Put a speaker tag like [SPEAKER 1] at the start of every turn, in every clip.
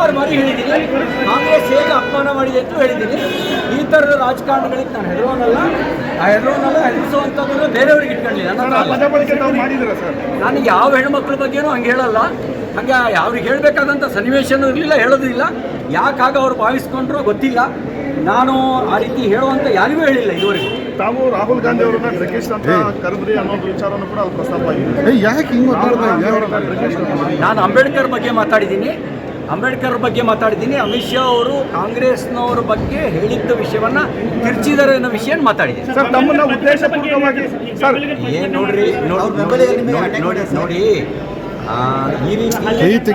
[SPEAKER 1] 1000 ಬಾರಿ ಹೇಳಿದ್ದೀನಿ, ಕಾಂಗ್ರೆಸ್ ಹೇಗೆ ಅಪಮಾನ ಮಾಡಿದೆ ಅಂತ ಹೇಳಿದ್ದೀನಿ. ಈ ಥರದ ರಾಜಕಾರಣಗಳಿಗೆ ನಾನು ಹೆದರೋನಲ್ಲ, ಹೆದರಿಸುವಂಥದ್ದನ್ನು ಬೇರೆಯವ್ರಿಗೆ ಇಟ್ಕೊಂಡಿಲ್ಲ. ನನಗೆ ಯಾವ ಹೆಣ್ಮಕ್ಳ ಬಗ್ಗೆನೂ ಹಂಗೆ ಹೇಳಲ್ಲ, ಹಾಗೆ ಅವ್ರಿಗೆ ಹೇಳಬೇಕಾದಂಥ ಸನ್ನಿವೇಶನೂ ಇರಲಿಲ್ಲ, ಹೇಳೋದಿಲ್ಲ. ಯಾಕಾಗ ಅವ್ರು ಭಾವಿಸ್ಕೊಂಡ್ರೂ ಗೊತ್ತಿಲ್ಲ. ನಾನು ಆ ರೀತಿ ಹೇಳುವಂಥ ಯಾರಿಗೂ ಹೇಳಿಲ್ಲ ಇದುವರೆಗೂ.
[SPEAKER 2] ತಾವು ರಾಹುಲ್ ಗಾಂಧಿ ಅವರನ್ನ ಡ್ರಗಿಸ್ಟ್ ಅಂತ ಕರೆದ್ರಿ ಅನ್ನೋದು ವಿಚಾರನೂ ಕೂಡ ಅಲ್ಲಿ ಪ್ರಸ್ತಾಪ ಆಗಿದೆ.
[SPEAKER 3] ಯಾಕೆ
[SPEAKER 1] ನಾನು ಅಂಬೇಡ್ಕರ್ ಬಗ್ಗೆ ಮಾತಾಡಿದ್ದೀನಿ. ಅಮಿತ್ ಶಾ ಅವರು ಕಾಂಗ್ರೆಸ್ನವ್ರ ಬಗ್ಗೆ ಹೇಳಿದ್ದ ವಿಷಯವನ್ನು ತಿರ್ಚಿದ್ದಾರೆ ಅನ್ನೋ ವಿಷಯ ಮಾತಾಡಿದ್ದೀನಿ.
[SPEAKER 2] ಸರ್, ತಮ್ಮನ್ನ ಉದ್ದೇಶಪೂರ್ವಕವಾಗಿ ಸರ್
[SPEAKER 1] ಏನು ನೋಡಿ ಈ ರೀತಿ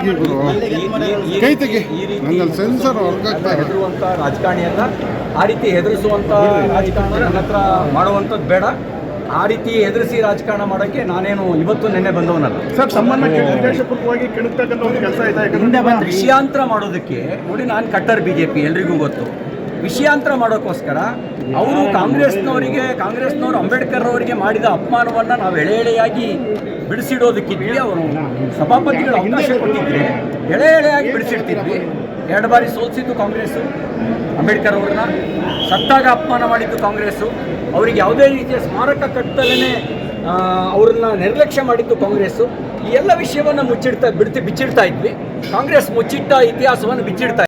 [SPEAKER 1] ಹೆದರುವಂಥ ರಾಜಕಾರಣಿ ಅಲ್ಲ, ಆ ರೀತಿ ಹೆದರಿಸುವಂಥ ರಾಜಕಾರಣ ನನ್ನ ಹತ್ರ ಮಾಡುವಂಥದ್ದು ಬೇಡ. ಆ ರೀತಿ ಹೆದರಿಸಿ ರಾಜಕಾರಣ ಮಾಡೋಕ್ಕೆ ನಾನೇನು ಇವತ್ತು ನೆನ್ನೆ ಬಂದವನಲ್ಲ.
[SPEAKER 2] ಸರ್, ತಮ್ಮನ್ನ ಉದ್ದೇಶಪೂರ್ವಕವಾಗಿ ಕೆಣಕ್ತಕ್ಕಂಥ ಒಂದು ಕೆಲಸ ಇದೆ.
[SPEAKER 1] ವಿಷಯಾಂತರ ಮಾಡೋದಕ್ಕೆ ನೋಡಿ, ನಾನು ಕಟ್ಟರ್ BJP ಎಲ್ರಿಗೂ ಗೊತ್ತು. ವಿಷಯಾಂತರ ಮಾಡೋಕ್ಕೋಸ್ಕರ ಅವರು ಕಾಂಗ್ರೆಸ್ನವರು ಅಂಬೇಡ್ಕರ್ ಅವರಿಗೆ ಮಾಡಿದ ಅಪಮಾನವನ್ನು ನಾವು ಎಳೆಯಾಗಿ ಬಿಡಿಸಿಡೋದಕ್ಕಿದ್ವಿ. ಅವರು ಸಭಾಪತಿಗಳು ಅವಕಾಶ ಕೊಟ್ಟಿದ್ರೆ ಎಳೆಯಾಗಿ ಬಿಡಿಸಿಡ್ತಿದ್ವಿ. 2 ಬಾರಿ ಸೋಲಿಸಿದ್ದು ಕಾಂಗ್ರೆಸ್ಸು ಅಂಬೇಡ್ಕರ್ ಅವ್ರನ್ನ, ಸತ್ತಾಗ ಅಪಮಾನ ಮಾಡಿದ್ದು ಕಾಂಗ್ರೆಸ್ಸು, ಅವರಿಗೆ ಯಾವುದೇ ರೀತಿಯ ಸ್ಮಾರಕ ಕಟ್ಟದಲ್ಲೇ ಅವ್ರನ್ನ ನಿರ್ಲಕ್ಷ್ಯ ಮಾಡಿದ್ದು ಕಾಂಗ್ರೆಸ್ಸು. ಈ ಎಲ್ಲ ವಿಷಯವನ್ನು ಬಿಚ್ಚಿಡ್ತಾ ಇದ್ವಿ. ಕಾಂಗ್ರೆಸ್ ಮುಚ್ಚಿಟ್ಟ ಇತಿಹಾಸವನ್ನು ಬಿಚ್ಚಿಡ್ತಾ